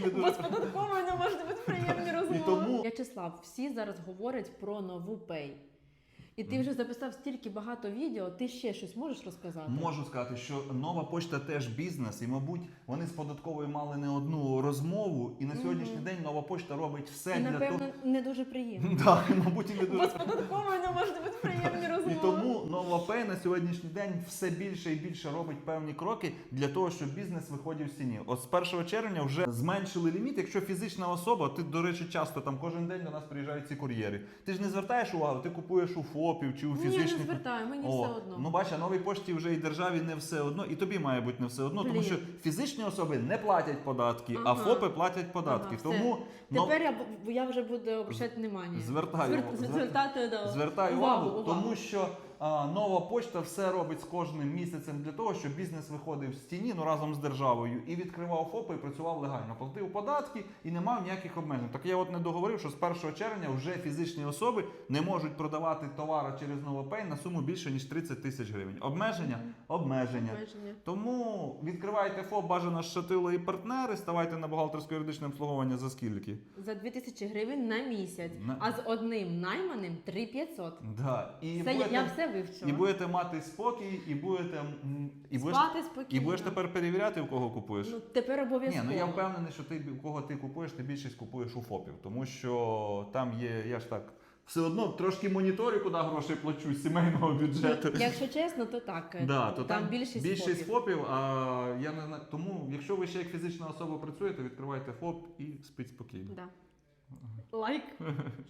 Бо з податковою не можуть бути приємні розмови. тому- В'ячеслав, всі зараз говорять про нову Pay. І ти вже записав стільки багато відео, ти ще щось можеш розказати? Можу сказати, що нова пошта теж бізнес, і, мабуть, вони з податковою мали не одну розмову, і на сьогоднішній день нова пошта робить все І, для напевно, того. не дуже приємно. Так, мабуть, і не Бо дуже. з податковою не можуть бути приємні розмови. І тому нова Pay на сьогоднішній день все більше і більше робить певні кроки для того, щоб бізнес виходив з тіні. От з 1 червня вже зменшили ліміт, якщо фізична особа, ти, до речі, часто там кожен день до нас приїжджають ці кур'єри. Ти ж не звертаєш увагу, ти купуєш у ФОПів чи у Ні, фізичних. я не звертаю, мені все одно. Ну бач, а новій пошті вже і державі не все одно, і тобі має бути не все одно, тому Блін. що фізичні особи не платять податки, а Ага. ФОПи платять податки. Ага, все. Тому Тепер я вже буду обращати внимання. Звертати Звертай увагу, тому що нова пошта все робить з кожним місяцем для того, щоб бізнес виходив з тіні, ну разом з державою, і відкривав ФОПи, і працював легально, платив податки і не мав ніяких обмежень. Так я от не договорив, що з 1 червня вже фізичні особи не можуть продавати товари через NovaPay на суму більше, ніж 30 тисяч гривень. Обмеження? Обмеження. Тому відкривайте ФОП, бажано з Шатило і партнери, ставайте на бухгалтерсько-юридичне обслуговування за скільки? За 2000 гривень на місяць, а з одним найманим 3500. Да. І Це будете, я все вивчила. і будете мати спокій, і будете Спати спокійно. і будеш тепер перевіряти, в кого купуєш. Ну, тепер Ні, обов'язково. ну я впевнений, що ти, у кого ти купуєш, ти більшість купуєш у ФОПів. Тому що там є, я ж так, все одно трошки моніторю, куди гроші плачу з сімейного бюджету. Ну, якщо чесно, то так. Да, то там більшість ФОПів, а я не знаю. Тому, якщо ви ще як фізична особа працюєте, відкривайте ФОП і спіть спокійно. Да. Лайк.